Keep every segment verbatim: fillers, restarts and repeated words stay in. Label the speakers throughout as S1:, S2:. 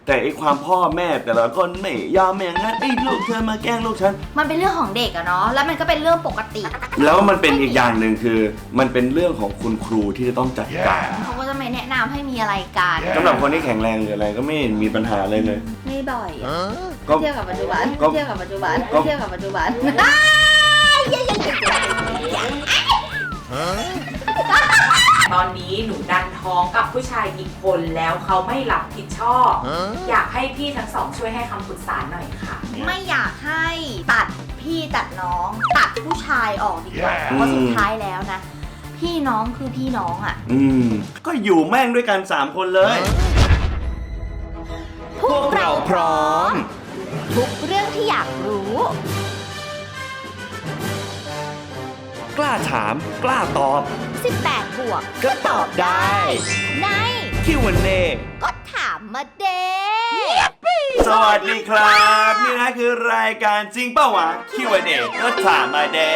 S1: แต่ไอ้ความพ่อแม่แต่ละคนไม่ยอมอย่างนั้นไอ้ลูกเธอมาแกล้งลูกฉัน
S2: มันเป็นเรื่องของเด็กอะเนาะแล้วมันก็เป็นเรื่องปกติ
S1: แล้วมันเป็นอีกอย่างหนึ่งคือมันเป็นเรื่องของคุณครูที่จะต้องจัดการ
S2: เขาก็จะไม่แนะนำให้มีอะไรกัน
S1: สำหรับคนที่แข็งแรงหรืออะไรก็ไม่มีปัญหาเลยเลย
S2: ไม่บ่อยเทียบกับปัจจุบันเทียบกับปัจจุบันเทียบกับปัจจุบัน
S3: ตอนนี้หนูดันท้องกับผู้ชายอีกคนแล้วเขาไม่รับผิดชอบอยากให้พี่ทั้งสองช่วยให้คำปรึกษาหน่อยค่ะ
S2: ไม่อยากให้ตัดพี่ตัดน้องตัดผู้ชายออกดีกว่าเพราะสุดท้ายแล้วนะพี่น้องคือพี่น้องอ่ะ
S1: อืมก็อยู่แม่งด้วยกันสามคนเลย
S2: พวกเราพร้อมทุกเรื่องที่อยากรู้
S1: กล้าถามกล้าตอบ
S2: สิบแปดบวก
S1: ก็ตอบได้
S2: ใน
S1: คิว แอนด์ เอ
S2: ก็ถามมาเด้
S1: สวัสดีครับนี่นะคือรายการจริงเป้าวะ คิว แอนด์ เอ ก็ถามมาเด้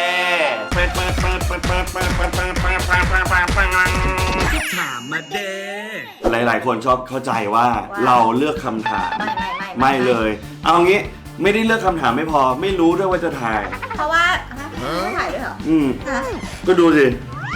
S1: ถามมาเด้หลายๆคนชอบเข้าใจว่าเราเลือกคำถาม
S2: ไม่ไม่ไม่
S1: ไม่เลยเอางี้ไม่ได้เลือกคำถามไม่พอไม่รู้ด้วยว่าจะถ่าย
S2: เพราะว่าไม่ถ่ายด้วยเหรอ
S1: อืมก็ดูสิ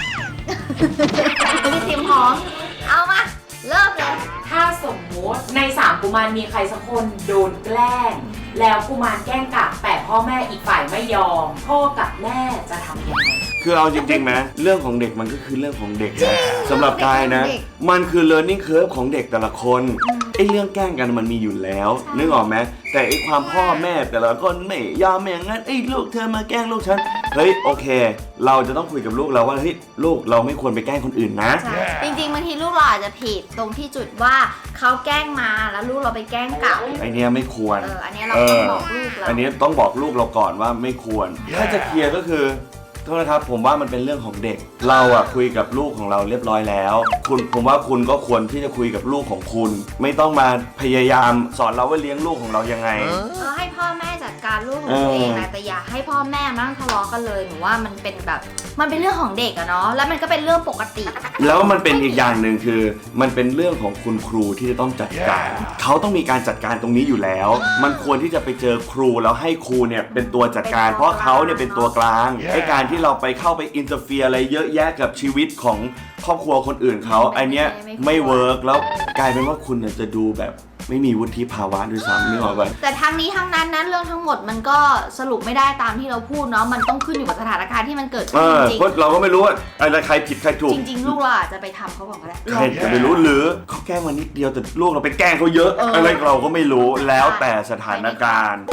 S2: มีทีมพร้อมเอามาเริ่มเลย
S3: ถ้าสมมติในสามกุมารมีใครสักคนโดนแกล้งแล้วกุมารแกล้งกลับแต่พ่อแม่อีกฝ่ายไม่ยอมพ่อกับแม่จะทำยังไง
S1: คือเอาจริงๆนะเรื่องของเด็กมันก็คือเรื่องของเด็กนะสำหรับกายนะมันคือ learning curve ของเด็กแต่ละคนไอ้เรื่องแกล้งกันมันมีอยู่แล้วนึกออกไหมแต่ไอ้ความพ่อแม่แต่ละคนไม่ยอมอย่างนั้นไอ้ลูกเธอมาแกล้งลูกฉันเฮ้ยโอเคเราจะต้องคุยกับลูกเราว่าเฮ้ยลูกเราไม่ควรไปแกล้งคนอื่นนะ
S2: จริงๆบางทีลูกเราอาจจะผิดตรงที่จุดว่าเขาแกล้งมาแล้วลูกเราไปแกล้งกลับ
S1: ไอเนี้ยไม่ควร
S2: เอออันนี้เราต้องบอกลูกเรา
S1: อันนี้ต้องบอกลูกเราก่อนว่าไม่ควรถ้าจะเคลียร์ก็คือโทษนะครับผมว่ามันเป็นเรื่องของเด็กเราอะคุยกับลูกของเราเรียบร้อยแล้วคุณผมว่าคุณก็ควรที่จะคุยกับลูกของคุณไม่ต้องมาพยายามสอนเราว่าเลี้ยงลูกของเรายังไง
S2: เออให้พ่อแม่จัดการลูกของตัวเองนะแต่อย่าให้พ่อแม่มานั่งทะเลาะกันเลยหนูว่ามันเป็นแบบมันเป็นเรื่องของเด็กอะเนาะแล้วมันก็เป็นเรื่องปกติ
S1: แล้วมันเป็นอีกอย่างหนึ่งคือมันเป็นเรื่องของคุณครูที่จะต้องจัดการเขาต้องมีการจัดการตรงนี้อยู่แล้วมันควรที่จะไปเจอครูแล้วให้ครูเนี่ยเป็นตัวจัดการเพราะเขาเนี่ยเป็นตัวกลางไอ้การที่เราไปเข้าไปอินเตอร์เฟียร์อะไรเยอะแยะกับชีวิตของครอบครัวคนอื่นเขาไอเนี้ยไม่เวิร์กแล้วกลายเป็นว่าคุณจะดูแบบไม่มีวุฒิภาวะด้วยซ้ำนึกออกป่ะ
S2: แต่ทั้งนี้ทั้งนั้นนะเรื่องทั้งหมดมันก็สรุปไม่ได้ตามที่เราพูดเนาะมันต้องขึ้นอยู่กับสถานการณ์ที่มันเกิดขึ้นจริง
S1: เพราะเราก็ไม่รู้ว่าอะไรใครผิดใครถูก
S2: จริงๆลูกเราอาจจะไปทำเขาบอกก็ได้
S1: ใครจะไปรู้หรือเขาแกล้งมานิดเดียวแต่ลูกเราไปแกล้งเขาเยอะอะไรเราก็ไม่รู้แล้วแต่สถานการณ์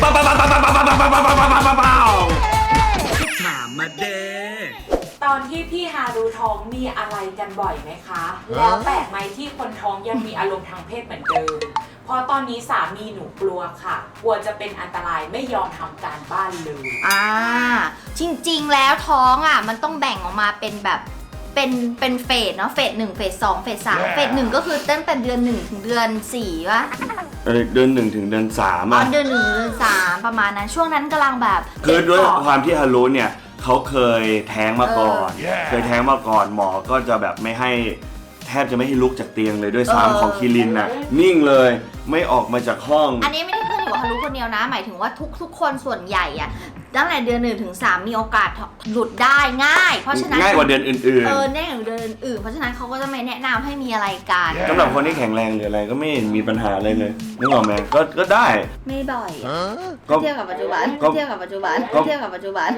S1: ถามมาเด้
S3: ตอนที่พี่ฮารุท้องมีอะไรกันบ่อยไหมคะแล้วแปลกไหมที่คนท้องยังมีอารมณ์ทางเพศเหมือนเดิมเพราะตอนนี้สามีหนูกลัวค่ะกลัวจะเป็นอันตรายไม่ยอมทำการบ้านเลย
S2: อ่าจริงๆแล้วท้องอ่ะมันต้องแบ่งออกมาเป็นแบบเป็นเป็นเฟสเนาะเฟสหนึ่งเฟสสองเฟสสามเฟสหนึ่งก็คือตั้งแต่เดือนหนึ่งถึงเดือนสี่วะ
S1: เออเดือนหนึ่งถึงเดือนสาม
S2: อ่ะเดือนหนึ่งเดือนสามประมาณนั้นช่วงนั้นกำลังแบบ
S1: คือด้วยความที่ฮารุเนี่ยเขาเคยแท้งมาก่อนเคยแท้งมาก่อนหมอก็จะแบบไม่ให้แทบจะไม่ให้ลุกจากเตียงเลยด้วยซ้ำของคิรินน่ะนิ่งเลยไม่ออกมาจากห้อง
S2: อันนี้ไม่ได้ขึ้นอยู่กับฮารุคนเดียวนะหมายถึงว่าทุกทุกคนส่วนใหญ่อะตั้งแต่เดือนหนึ่งถึงสามมีโอกาสหลุดได้ง่ายเพราะฉะนั้น
S1: ง่ายกว่าเดือนอื่น
S2: ๆเออง่ายกว่าเดือนอื่นเพราะฉะนั้นเขาก็จะไม่แนะนำให้มีอะไรกัน
S1: สำหรับคนที่แข็งแรงหรืออะไรก็ไม่มีปัญหาอะไรเลยนึกออกไหมก็ก็ได้
S2: ไม่บ่อยเทียบกับปัจจุบันเทียบกับปัจจุบันเทียบกับปัจจุบัน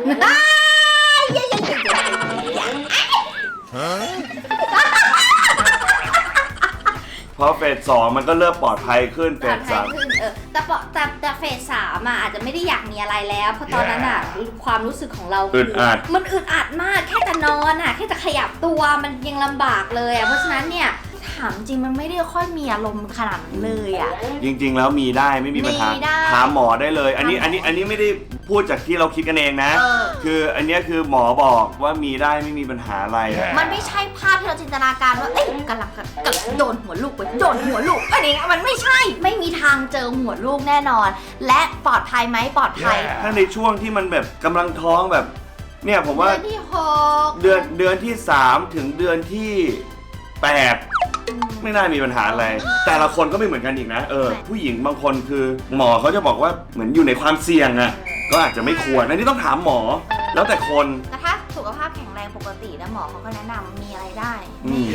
S1: เพราะเฟสสองมันก็เริ่มปลอดภัยขึ้นเฟสสาม
S2: เออแต่แต่แต่เฟสสามอ่ะอาจจะไม่ได้อยากมีอะไรแล้วเพราะตอนนั้นอ่ะความรู้สึกของเรา
S1: อึดอัด
S2: มันอึดอัดมากแค่จะนอนอ่ะแค่จะขยับตัวมันยังลำบากเลยอ่ะเพราะฉะนั้นเนี่ยถามจริงมันไม่ได้ค่อยมีอารมณ์ขนาดนั้นเลยอ่ะ
S1: จริงๆแล้วมีได้ไม่มีปัญหาถามหมอได้เลยอันนี้อันนี้อันนี้ไม่ได้พูดจากที่เราคิดกันเองนะคืออันนี้คือหมอบอกว่ามีได้ไม่มีปัญหาอะไร
S2: มันไม่ใช่ภาพที่เราจินตนาการว่าเอ้ยกำลังกำลังโดนหัวลูกไปโดนหัวลูกอันนี้มันไม่ใช่ไม่มีทางเจอหัวลูกแน่นอนและปลอดภัยไหมปลอดภัย
S1: ถ้าในช่วงที่มันแบบกำลังท้องแบบเนี่ยผมว่า
S2: เดือนที่หก
S1: เดือนเดือนที่สามถึงเดือนที่แปดไม่น่ามีปัญหาอะไร แต่ละคนก็ไม่เหมือนกันอีกนะเออผู้หญิงบางคนคือหมอเขาจะบอกว่าเหมือนอยู่ในความเสี่ยงอะก็อาจจะไม่ควรอันนี้ต้องถามหมอแล้วแต่คน
S2: แต่ถ้าสุขภาพแข็งแรงปกตินะหมอเขาก็แนะนำมีอะไรได้
S1: อืม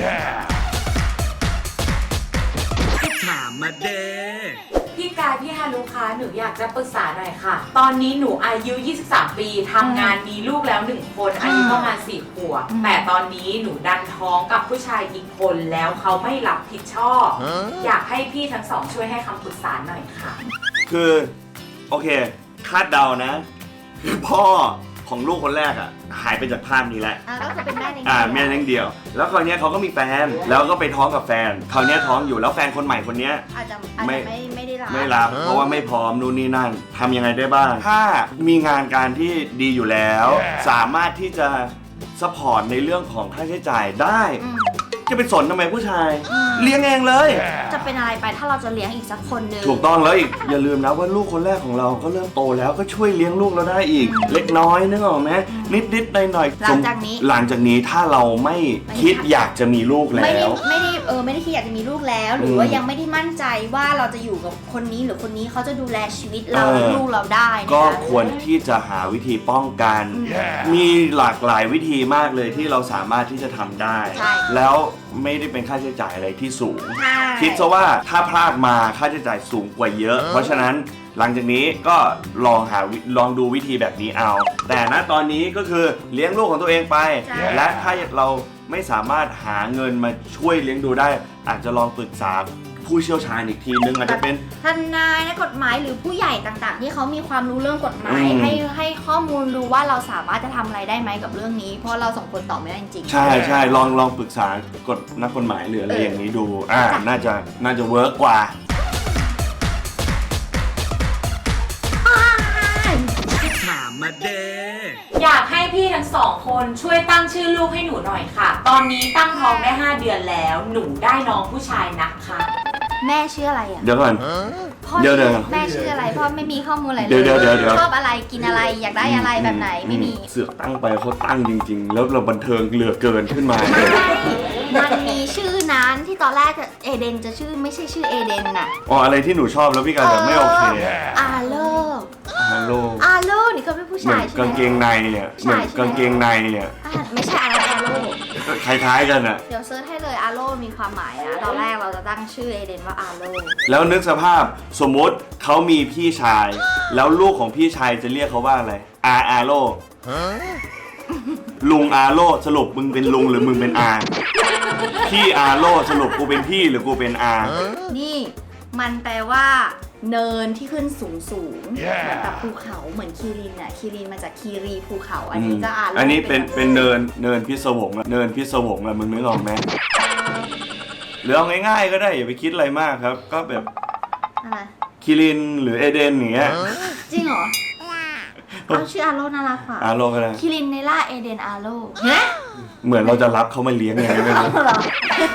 S4: ถามมาเด้
S3: พี่กายพี่ฮารุคะหนูอยากจะปรึกษาหน่อยค่ะ ตอนนี้หนูอายุ ยี่สิบสาม ปีทำงานมีลูกแล้วหนึ่งคนอายุประมาณสี่ขวบแต่ตอนนี้หนูดันท้องกับผู้ชายอีกคนแล้วเขาไม่รับผิดชอบ อยากให้พี่ทั้งสองช่วยให้คำปรึกษาหน่อยค่ะ
S1: คือโอเคคาดเดานะคือพ่อของลูกคนแรกอ่ะหายไปจากภาพนี้แล้ว
S2: อ่ะก็คือเป็นแม่ใน
S1: อ่าแม่เลี้ยงเดี่ยว แล้วคราวเนี้ยเขาก็มีแฟนแล้วก็ไปท้องกับแฟนคราวเนี้ยท้องอยู่แล้วแฟนคนใหม่คนเนี้ย
S2: อาจจะอาจ
S1: ไม่
S2: จะไม่ไม่ได้รับ
S1: ไม่รับเพราะว่าไม่พร้อมนู่นนี่นั่นทำยังไงได้บ้าง ถ้ามีงานการที่ดีอยู่แล้ว สามารถที่จะซัพพอร์ตในเรื่องของค่าใช้จ่ายได้
S2: อืม
S1: จะไปสนทำไมผู้ชาย เลี้ยงเองเลย
S2: จะเป็นอะไรไปถ้าเราจะเลี้ยงอีกสักคนหนึ่ง
S1: ถูกต้องแล้วอีกอย่าลืมนะว่าลูกคนแรกของเราก็เริ่มโตแล้วก็ช่วยเลี้ยงลูกเราได้อีก เล็กน้อยนึกออกไหมนิดนิดหน่อยหน่อย
S2: หลังจากนี้
S1: หลังจากนี้ถ้าเราไม่คิดอยากจะมีลูกแล้
S2: ไม่ได้
S1: ว
S2: ไม่ได้เออไม่ได้คิดอยากจะมีลูกแล้ว หรือ
S1: ม
S2: ว่ายังไม่ได้มั่นใจว่าเราจะอยู่กับคนนี้หรือคนนี้เขาจะดูแลชีวิตเรา
S1: เออ
S2: และลูกเราได้นะคะ
S1: ก็ควรที่จะหาวิธีป้องกัน มีหลากหลายวิธีมากเลยที่เราสามารถที่จะทำได้
S2: ใช่
S1: แล้วไม่ได้เป็นค่าใช้จ่ายอะไรที่สูง
S2: ใช่
S1: คิดซะว่าถ้าพลาดมาค่าใช้จ่ายสูงกว่าเยอะ เพราะฉะนั้นหลังจากนี้ก็ลองหาวิลองดูวิธีแบบนี้เอา แต่ณตอนนี้ก็คือเลี้ยงลูกของตัวเองไป และถ้าเราไม่สามารถหาเงินมาช่วยเลี้ยงดูได้ อาจจะลองปรึกษาผู้เชี่ยวชาญอีกทีนึงอาจจะเป็น
S2: ทนายนักกฎหมายหรือผู้ใหญ่ต่างๆ ที่เขามีความรู้เรื่องกฎหมาย
S1: อืม
S2: ให้ให้ข้อมูลดูว่าเราสามารถจะทำอะไรได้ไหมกับเรื่องนี้ เพราะเราสองคนตอบไม่ได้จริงๆ
S1: ใช่ใช่ลองลองปรึกษากฎนักกฎหมายหรืออะไร
S2: เออ
S1: อ
S2: อ
S1: ย่างนี้ดูอ่า
S2: จ้ะ
S1: น่าจะน่าจะเวิร์กกว่า
S4: ถามมาเด้
S3: อยากให้พี่ทั้งสองคนช่วยตั้งชื่อลูกให้หนูหน่อยค่ะ ตอนนี้ตั้งท้องได้ห้าเดือนแล้วหนูได้น้องผู้ชายนะคะ
S2: แม่ชื่ออะไรอ่ะ
S1: เดี๋ยวก่อน
S2: พ่อ
S1: เดี๋ยว
S2: ชื่อ
S1: เดี๋ยว
S2: แม่ชื่ออะไรพ่อไม่มีข้อมูลอะไรเล
S1: เดี๋ยวย เดี๋ยวเดี๋ยวเดี๋ยว
S2: ชอบอะไรกินอะไรอยากได้อะไรแบบไหนไม่มี
S1: เสือกตั้งไปเขาตั้งจริง ๆ แล้วเราบันเทิงเหลือเกินขึ้นมา
S2: ไม่มันมีชื่อนั้นที่ตอนแรกจะเอเดนจะชื่อไม่ใช่ชื่อเอเดนน่ะ
S1: อ๋ออะไรที่หนูชอบแล้วพี่การแบบไม่โอเค
S2: อาโล
S1: ฮัลโหล
S2: อาโลนี่เขาเป็นผู้
S1: เหมือ
S2: ชาน ยใช่ไหม
S1: กางเกงในอ่ะเหมือนกางเกงในอ่ะ
S2: อ่ะไม่ใช่อาโลอาโล
S1: คล้ายๆกันอ่ะ
S2: เดี๋ยวเซิร์ชให้เลยอาโลมีความหมายนะ ตอนแรกเราจะตั้งชื่อเอเดนว่าอาโล
S1: แล้วนึกสภาพสมมุติเขามีพี่ชาย แล้วลูกของพี่ชายจะเรียกเขาว่าอะไรอาอาโลลุงอาโลสรุปมึงเป็นลุงหรือมึงเป็นอาพี่อาโลสรุปกูเป็นพี่หรือกูเป็นอา
S2: นี่มันแปลว่า เนินที่ขึ้นสูงสูงๆเหมือนกับภูเขาเหมือนคีรินอ่ะคีรินมาจากคีรีภูเขาอันนี้ก็อาโล
S1: อันนี้เป็นเป็นเนินเนินพิศวงอะเนินพิศวงอะมึงนึกออกไหมหรือเอาง่ายๆก็ได้อย่าไปคิดอะไรมากครับ ก็แบบ
S2: อะไร
S1: คิรินหรือเอเดนอย่างเงี้ย
S2: จริงเหรอเอาชื่ออาโลน่ารักกว่า
S1: อาโลก็ได้
S2: คิรินเนล่าเอเดนอาโลเฮ้ย
S1: เหมือนเราจะรับเขามาเลี้ยงไงไม่รู้
S2: เหรอ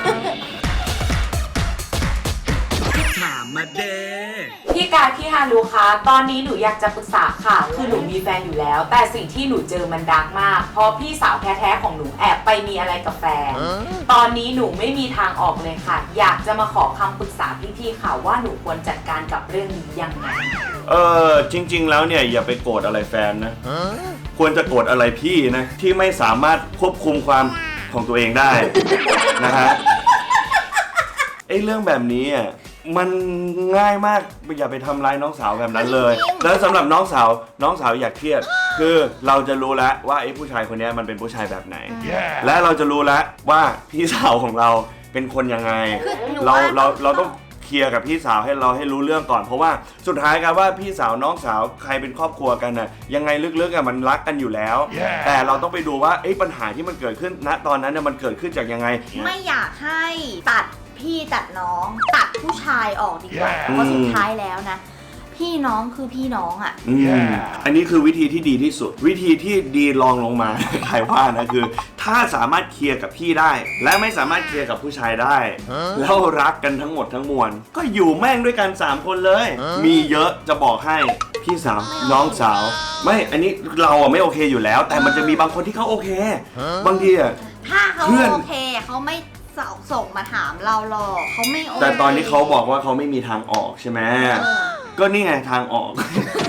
S4: ถามมาเด้
S3: พี่กายพี่ฮารุคะตอนนี้หนูอยากจะปรึกษาค่ะ คือหนูมีแฟนอยู่แล้ว แต่สิ่งที่หนูเจอมันดาร์กมาก เพราะพี่สาวแท้ๆของหนูแอบไปมีอะไรกับแฟน ตอนนี้หนูไม่มีทางออกเลยค่ะ อยากจะมาขอคำปรึกษาพี่ๆค่ะว่าหนูควรจัดการกับเรื่องนี้ยังไง
S1: เออจริง ๆ แล้วเนี่ยอย่าไปโกรธอะไรแฟนนะ ควรจะโกรธอะไรพี่นะที่ไม่สามารถควบคุมความของตัวเองได้ นะฮะไอ้เรื่องแบบนี้อ่ะมันง่ายมากอย่าไปทำร้ายน้องสาวแบบนั้นเลย แล้วสำหรับน้องสาวน้องสาวอยากเครียด คือเราจะรู้แล้วว่าไอ้ผู้ชายคนนี้มันเป็นผู้ชายแบบไหน และเราจะรู้แล้วว่าพี่สาวของเราเป็นคนยังไง
S2: คือหนู
S1: เรา
S2: ว่า
S1: เราเราต้องเคลียร์กับพี่สาวให้เราให้รู้เรื่องก่อน เพราะว่าสุดท้ายกันว่าพี่สาวน้องสาวใครเป็นครอบครัวกันน่ะยังไงลึกๆอ่ะมันรักกันอยู่แล้ว แต่เราต้องไปดูว่าไอ้ปัญหาที่มันเกิดขึ้นณตอนนั้นน่ะมันเกิดขึ้นจากยังไง
S2: ไม่อยากให้ตัดพี่ตัดน้อง ตัดผู้ชายออกดีกว่า
S1: อืม
S2: เพราะสุดท้ายแล้วนะ พี่น้องคือพี่น้องอ่ะ
S1: อืมอันนี้คือวิธีที่ดีที่สุด วิธีที่ดีรองลงมา ใครว่านะคือ ถ้าสามารถเคลียร์กับพี่ได้ และไม่สามารถเคลียร์กับผู้ชายได้ แล้วรักกันทั้งหมดทั้งมวลก็อยู่แม่งด้วยกันสามคนเลย มีเยอะจะบอกให้พี่สาวน้องสาว ไม่อันนี้เราอะไม่โอเคอยู่แล้ว แต่มันจะมีบางคนที่เขาโอเค บางทีอะ
S2: ถ้าเขา
S1: เพื่อน
S2: โอเคเขาไม่สส่งมาถามเราหรอกเขาไม่โอเค
S1: แต่ตอนนี้เขาบอกว่าเขาไม่มีทางออกใช่ไหม
S2: เออ
S1: ก็นี่ไงทางออก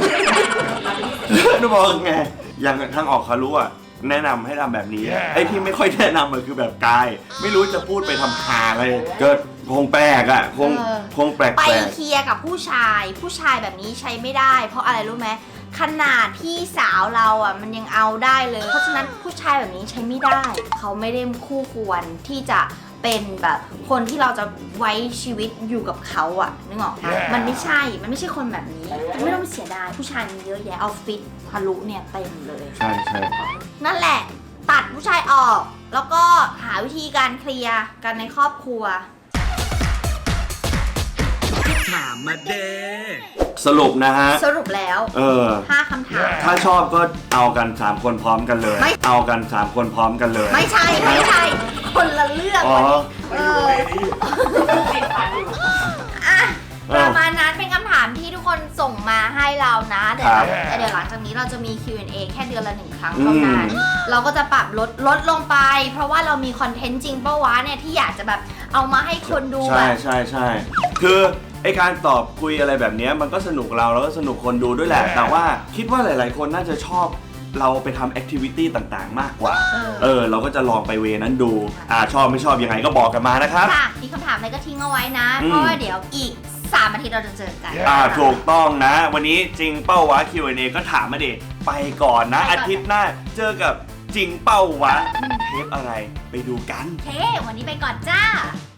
S1: นึกบอกไงอย่างทางออกเขารู้อะแนะนำให้ทำแบบนี้ไอ้ที่ไม่ค่อยแนะนำมันคือแบบกายไม่รู้จะพูดไปทำหาอะไรก็คงแปลกอะคง
S2: เออ
S1: คงแปลก
S2: ไป
S1: แปลก
S2: เคลียร์กับผู้ชาย ผู้ชายแบบนี้ใช้ไม่ได้ เพราะอะไรรู้ไหมขนาดพี่สาวเราอ่ะมันยังเอาได้เลย เพราะฉะนั้นผู้ชายแบบนี้ใช้ไม่ได้ เขาไม่ได้คู่ควรที่จะเป็นแบบคนที่เราจะไว้ชีวิตอยู่กับเขาอ่ะนึกออกปะมันไม่ใช่มันไม่ใช่คนแบบนี้ไม่ต้องเสียดายผู้ชายมีเยอะแยะเอาฟิตทะลุเนี่ยเต็มเลย
S1: ใช่ใช่
S2: นั่นแหละ ตัดผู้ชายออก แล้วก็หาวิธีการเคลียร์กันในครอบครัว
S4: ถามมาเด้
S1: สรุปนะฮะ
S2: สรุปแล้ว
S1: เออ
S2: ห้าคำถาม
S1: ถ้าชอบก็เอากันสามคนพร้อมกันเลย
S2: ไม่
S1: เอากันสามคนพร้อมกันเลย
S2: ไม่ใช่ไม่ใช่ คนละเรื่อง
S1: อ๋อ
S2: เอออ่ะประมาณนั้นเป็นคำถามที่ทุกคนส่งมาให้เรานะเดี๋ยว
S1: ครับ
S2: เดี๋ยวหลังจากนี้เราจะมี คิว แอนด์ เอ แค่เดือนละหนึ่งครั้งเท่านั้น
S1: อืม
S2: เราก็จะปรับลดลดลงไป เพราะว่าเรามีคอนเทนต์จริงเป้าวะเนี่ยที่อยากจะแบบเอามาให้คนดูแบ
S1: ใช่
S2: บ
S1: ใช่ใช่คือไอการตอบคุยอะไรแบบเนี้ยมันก็สนุกเราแล้วก็สนุกคนดูด้วยแหละ แต่ว่าคิดว่าหลาย ๆ คนน่าจะชอบเราไปทำแอคทิวิตี้ต่าง ๆ มากกว่า
S2: เออ
S1: เออ เราก็จะลองไปเวนั้นดู อ่าชอบไม่ชอบยังไงก็บอกกันมานะครับ
S2: ค่ะมีคำถามอะไรก็ทิ้งเอาไว้นะ
S1: อืม
S2: เพราะว่าเดี๋ยวอีกสามอาทิตย์เราจะเจอกัน
S1: อ่าถูกต้องนะ วันนี้จริงเป้าวะ คิว แอนด์ เอ ก็ถามมาดิไปก่อนนะ
S2: ไปก่อน
S1: อาทิตย์หน้าเจอกับจริงเป้าวะเทปอะไรไปดูกัน
S2: โอเค วันนี้ไปก่อนจ้า